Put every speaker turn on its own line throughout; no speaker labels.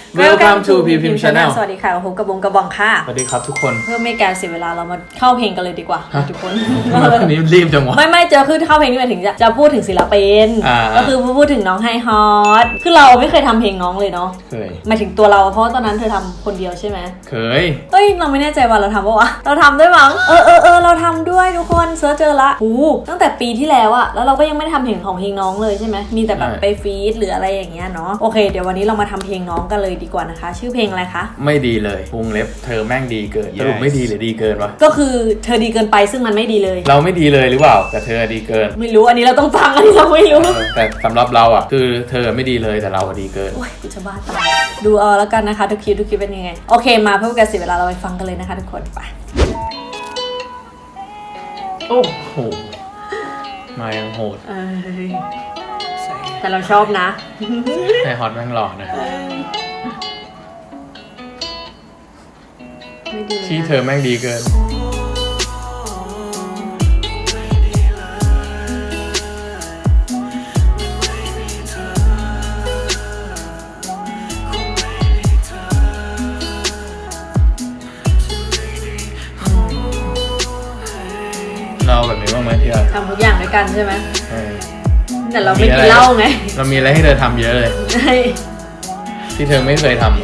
Welcome to PPM Channel
สวัสดีค่ะผมกระบงกระบองค่ะ
สวัสดีครับทุกคน
เพื่อไม่การเสียเวลาเรามาเข้าเพลงกันเลยดีกว่าทุกคน
วันนี้รีบจังวะ
ไม่เจอคือเข้าเพลงนี่หมายถึงจะพูดถึงศิลปินก็คือพูดถึงน้องไฮฮอตคือเราไม่เคยทำเพลงน้องเลยเนาะ
เคย
หมายถึงตัวเราเพราะตอนนั้นเธอทำคนเดียวใช่ไหม
เคย
เราไม่แน่ใจว่าเราทำปะวะเราทำด้วยมั้งเราทำด้วยทุกคนเซิร์ชเจอละตั้งแต่ปีที่แล้วอะแล้วเราก็ยังไม่ได้ทำเพลงของเพลงน้องเลยใช่ไหมมีแต่แบบไปฟีดหรืออะไรอย่างเงี้ยเนาะโอเคเดี๋ยววันนี้เรามาทำเพลงน้องกันเลยดีกว่านะคะชื่อเพลงอะไรคะ
ไม่ดีเลยวงเล็บเธอแม่งดีเกินสรุปไม่ดีหรือดีเกินวะ
ก็คือเธอดีเกินไปซึ่งมันไม่ดีเลย
เราไม่ดีเลยหรือเปล่าแต่เธอดีเกิน
ไม่รู้อันนี้เราต้องฟังอันนี้เราไม่รู้
แต่สำหรับเราอ่ะคือเธอไม่ดีเลยแต่เราดีเกิน
โอ้ยกูจะบ้าตายดูเอาแล้วกันนะคะทุกคลิปเป็นยังไงโอเคมาเพื่อการเสียเวลาเราไปฟังกันเลยนะคะทุกคนไป
โอ้โหมายังโหด
แต่เราชอบนะ
ไฮฮอตแม่งหล่อนะที่เธอแม่งดีเกินเราแบบนี้บ้างไหมที่เรา
ทำทุกอย่างด้วยกันใช่ไหมแต่เราไม่กินเหล้าไง
เรามีอะไรให้เธอทำเยอะเลยที่เธอไม่เคยทำ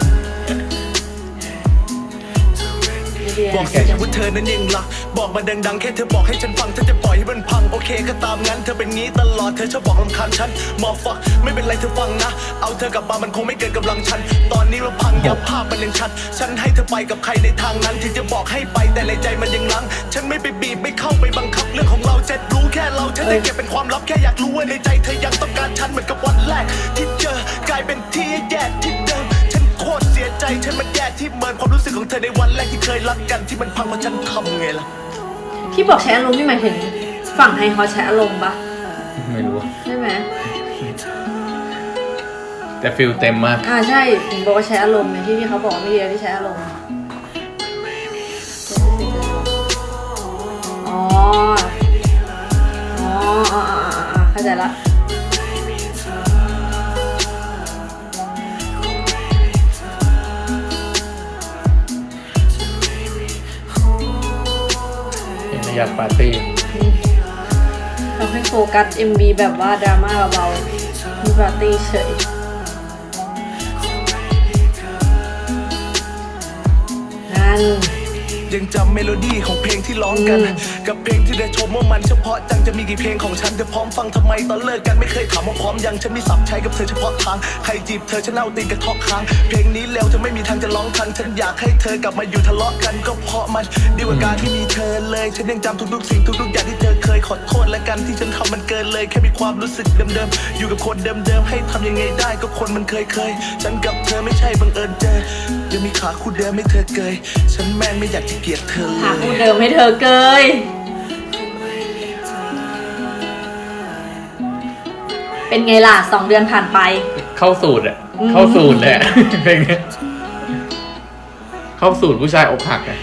บอกแค่ว่าเธอนั้นยังรักบอกมาดังๆแค่เธอบอกให้ฉันฟังเธอจะปล่อยให้มันพังโอเคก็ตามงั้นเธอเป็นงี้ตลอดเธอชอบบอกรำคาญฉันมอฟักไม่เป็นไรเธอฟังนะเอาเธอกลับมามันคงไม่เกินกำลังฉันตอนนี้เราพังยับภาพมันยังชัดฉันให้เธอไปกับใครในทางนั้นที่จะบอกให้ไปแต่ในใจมันยังลังฉันไม่ไปบีบไม่เข้าไปบังคับเรื่องของเราจะรู้แค่เราฉันจะเก็บเป็นความลับแค่อยากรู้ว่าในใจเธอยังต้องการฉันเหมือนกับวันแรกที่เจอกลายเป็นที่แย่ที่เดิมโคตรเสียใจฉันมันแย่ที่เมินความรู้สึกของเธอในวันแรกที่เคยรักกันที่มันพังเพราะฉันทำไงล่ะ
ที่บอกใช้อารมณ์นี่หมายถึงฝั่งไฮฮอตใช้อารมณ์ปะ
ไม่รู้
ใช่ไหม
แต่ฟิลเต็มมาก
ใช่ผมบอกว่าใช้อารมณ์เนี่ยที่เขาบอกไม่ดีที่ใช้อารมณ์อ๋อเข้าใจละ
อยากปาร์ตี้
เราให้โฟกัส MV แบบว่าดราม่าเบาๆมีปาร์ตี้เฉยนั่น
ยังจำเมโลดี้ของเพลงที่ร้องกันกับเพลงที่ได้ชมว่ามันเฉพาะจังจะมีกี่เพลงของฉันเธอพร้อมฟังทำไมตอนเลิกกันไม่เคยถามว่าพร้อมยังฉันมีสับใช้กับเธอเฉพาะทางใครจีบเธอฉันเอาตีนกระทอกค้างเพลงนี้แล้วเธอไม่มีทางจะร้องทันฉันอยากให้เธอกลับมาอยู่ทะเลาะกันก็เพราะมันดีกว่าการที่มีเธอเลยฉันยังจำทุกๆสิ่งทุกๆอย่างที่เธอเคยขอโทษและกันที่ฉันทำมันเกินเลยแค่มีความรู้สึกเดิมๆอยู่กับคนเดิมๆให้ทำยังไงได้ก็คนมันเคยฉันกับเธอไม่ใช่บังเอิญเจอยังมีขาคู่เดิมให้เธอเกยฉันแม่งไม่อยากจะเกลียดเธอ
ขาคู่เดิมให้เธอเกยเป็นไงล่ะ2 เดือนผ่านไป
เข้าสูตรเลยเพลงนี้เข้าสูตรผู้ชายอกหักอ่ะ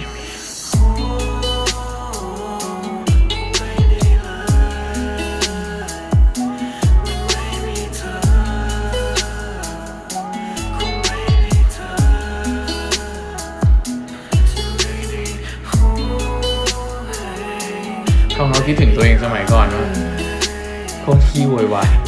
เขาคิดถึงตัวเองสมัยก่อนว่าโคตรขี้โวยวาย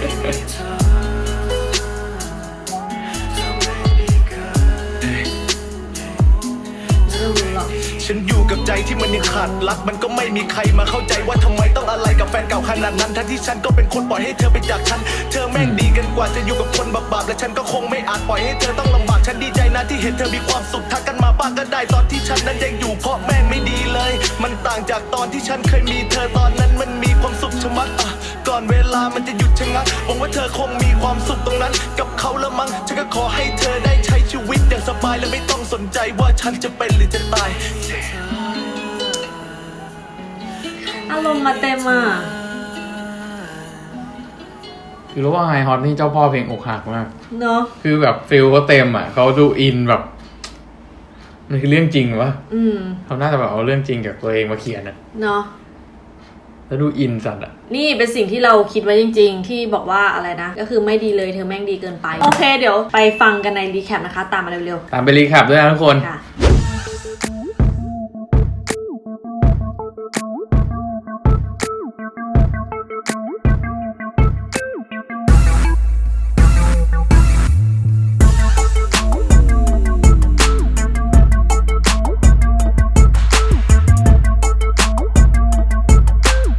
ฉันอยู่กับใจที่มันยังขาดรักมันก็ไม่มีใครมาเข้าใจว่าทำไมต้องอะไรกับแฟนเก่าขนาดนั้นทั้งที่ฉันก็เป็นคนปล่อยให้เธอไปจากฉันเธอแม่งดีกันกว่าจะอยู่กับคนบาปๆและฉันก็คงไม่อาจปล่อยให้เธอต้องลำบากฉันดีใจนะที่เห็นเธอมีความสุขทักกันมาบ้างก็ได้ตอนที่ฉันนั้นยังอยู่เพราะแม่งไม่ดีเลยมันต่างจากตอนที่ฉันเคยมีเธอตอนนั้นมันมีความสุขชะมัดก่อนเวลามันจะหยุดชะงักหวังว่าเธอคงมีความสุขตรงนั้นกับเขาละมั้งฉันก็ขอให้เธอได้ใช้ชีวิตอย่างสบายและไม่ต้องสนใจว่าฉันจะเป็นหรือจะตาย
อารมณ์มาเต็มอ่ะ
คือรู้ว่าไฮฮอตนี่เจ้าพ่อเพลงอกหักมาก
เนาะ
คือแบบฟิลเขาเต็มอ่ะเขาดูอินแบบมันคือเรื่องจริงวะเขาน่าจะแบบเอาเรื่องจริงจากตัวเองมาเขียนอ่ะ
เนาะ
แล้วดูอินสัตว์อะ
นี่เป็นสิ่งที่เราคิดไว้จริงๆ ที่บอกว่าอะไรนะ ก็คือไม่ดีเลยเธอแม่งดีเกินไป โอเคเดี๋ยวไปฟังกันในรีแคปนะคะ ตามมาเร็ว
ตามไปรีแคปด้วยนะทุกคน
ๆค่ะ